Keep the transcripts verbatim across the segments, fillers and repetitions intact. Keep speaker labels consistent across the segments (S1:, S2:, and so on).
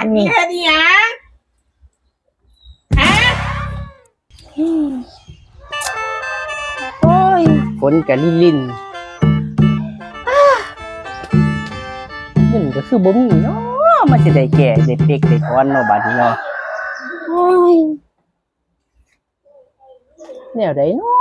S1: านนี่
S2: แค่นี้ฮะฮะ
S1: โอ้ย
S3: ฝนกะลิลินเงินก็คือบ่มีเนาะมันสิได้แก่ได้เป๊กได้ถอนเนาะบัดนี้เนาะโอ้ยแนวใดเนาะ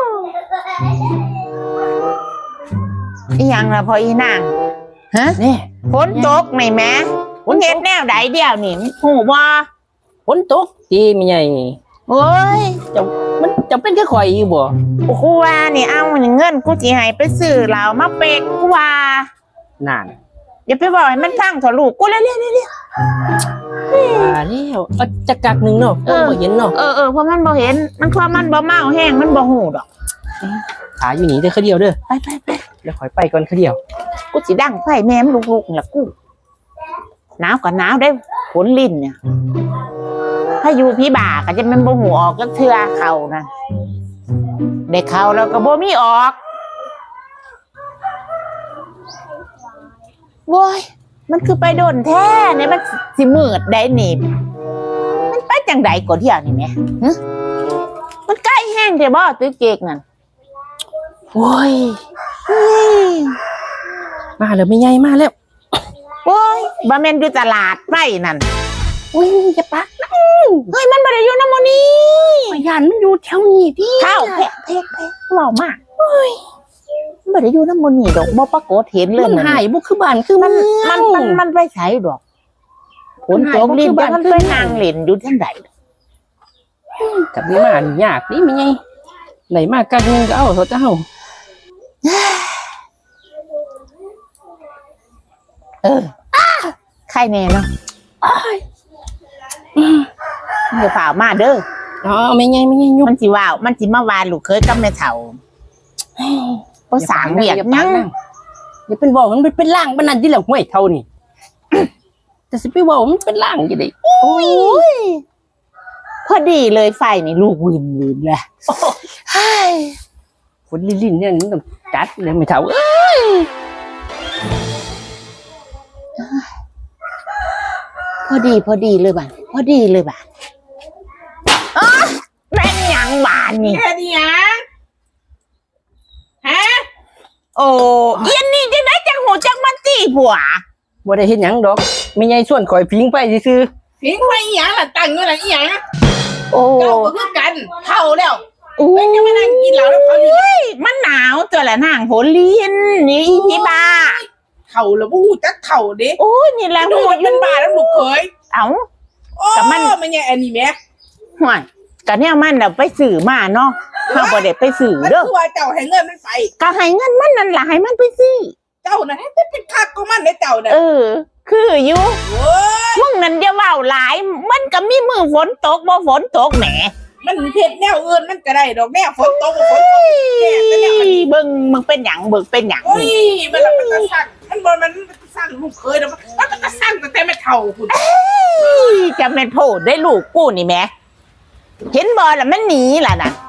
S1: อีหยังล่ะพออีนางฮะ
S3: นี่
S1: ฝนตกไหนแม่ฝนเฮ็ดแนวใดเดียวนี่หูบ่
S3: ฝนตกตีแม่ใหญ่
S1: โอ้ย
S3: จะมันจะเป็นคือข่อยอยู่บ่
S1: กูว่านี่เอาเงินกูสิให้ไปซื้อเหล้ามาเป๊กกูว่า
S3: นั่น
S1: อย่าไปบอกให้มันฟังเถอะลูกกูเร็วๆๆ
S3: ว่าแล้วเอาจักกักหนึงเนาะบ่เห็นเนาะ
S1: ๆเออเออเพราะมันบ่เห็นมันความมันบ่เมาแห้งมันบ่หูดอก
S3: ขาอยู่นี่เด้อคือเดียวเด้อ
S1: ไปไปไป
S3: แล้วข่อยไปก่อนคือเดียว
S1: กูสิดังไฟแม่มลูกๆนี่ล่ะกูหนาวก็หนาวได้ฝนลิ้นเนี่ยถ้าอยู่พี่บ่าก็จะมันบ่หูออกจักเทื่อเข้านะได้เข้าแล้วก็บ่มีออกโว้ยมันคือไปโดนแท้เนี่ยมันสิมืดได้นี่มันไปจังไดก็เที่ยวนี่แหมหึมันใกล้แห้งเด้บ่ตึกเกกนั่น
S3: โอ้ย
S1: เฮ้ย
S3: มาแล้วแม่ใหญ่มาแล้ว
S1: โอ้ยบ่แม่นอยู่ตลาดไปนั่น
S3: อุ้ยอย่าปักนะ
S1: เฮ้ยมันบ่ได้อยู่นำหมู่นี้
S3: ข่อยย่านมันอยู่แถวนี้พี่
S1: เข้าแพะแพะแพะเว้ามากเฮ้ยมันบ่ได้อยู่นำหมู่นี้ดอกบ่ปรากฏเห็นเลย
S3: มันหายบ่คือบ้านคือ
S1: มัน
S3: เมือง
S1: มันมันมันไปไสดอกฝนตกลิ้นแต่มันไปนั่งเล่นอยู่จังได
S3: กับนี่มานี่ยากนี่แม่ใหญ่ไหนมากักหนึงก็เอาเถอะเจ้า
S1: เออใครแน่เนาะเดี๋ยวเปล่ามาเด้อ
S3: อ๋อแม่ใหญ่แม่ใหญ่ยุบ
S1: มันสิว่าวมันสิมาวานลูกเคยกับแม่เฒ่าบ่สร้างเวียกหยัง
S3: อย่าเป็นบอกมันเป็นล่างปานนั้นที่แล้วห้วยเท่านี่ แต่สิไปบอกมันเป็นล่างจังได๋
S1: โอ้ยพอดีเลยไฟนี่ลูกวินวินแหละเฮ้ย
S3: ฝนลิ่นๆเนี่ยมันต้องจัดเลยไม่เท่าเอ้ย
S1: พอดีพอดีเลยบ้านพอดีเลยบ้านอ๊ะแม่นหยังบ้านนี่
S2: แค่นี้ฮะฮะ
S1: โอ้เอียนนี่จังไดจังหูจังมันตีผัว
S3: บ่ได้เฮ็ดหยังดอกแม่ใหญ่ส่วนข่อยพิงไปซื่อ
S2: พิงไปอีหยังล่ะตั้งอยู่ล่ะอีหยัง
S1: โอ้
S2: เจ้าก็คือกันเท่าแล้ว
S1: โอ้
S2: ไม่จะมานั่งกินเหล้าแล้วเขาอยู่
S1: ยมันหนาวตัวละนางฝนลิ้นนี่อีพี่บ้า
S2: เท่าแล้วบ่ฮู้จักเท่าเด้
S1: โอ้ยนี่แหละ
S2: ดู
S1: หู
S2: มัน
S1: อ
S2: เป็
S1: ยู่
S2: นบ้าแล้วลูกเขย
S1: เอ้า
S2: โอ้
S1: แต่มัน
S2: มันยังอันนี้แม่
S1: ห่วยก็เนี่ยมันน่ะไปสื่อมาเนาะเฮาบ่ได้ไปสื่อ
S2: มัน
S1: เด้อ
S2: คือว่าเจ้าให้เงินมันไป
S1: ก็ให้เงินมันนั่นล่ะให้มันไปซื้อ
S2: เจ้าน่ะให้เป็นคักของมันได้เจ้าน่ะ
S1: เออ คืออยู่
S2: โอ้ย
S1: มึงนั่นอย่าเว้าหลาย มันก็มีมือฝนตกบ่ฝนตกแหม
S2: มันเฮ็ดแนวอื่นมันก็ได้ดอกแนวฝนตกก็ฝนตกแน่แต่แนวมัน
S1: เบิ่งมึงเป็นหยังเบิ่งเป็นหยัง
S2: โอ้ย
S1: นี่
S2: มันละมันตะสั่งมันบ่มันสั่งลูกเคยแล้วมันมันตะสั่งตั้งแต่ไม่เท่าคุณ
S1: จะแม่นโพดได้ลูกกูนี่แหมเห็นบ่ล่ะมันหนีล่ะน่ะ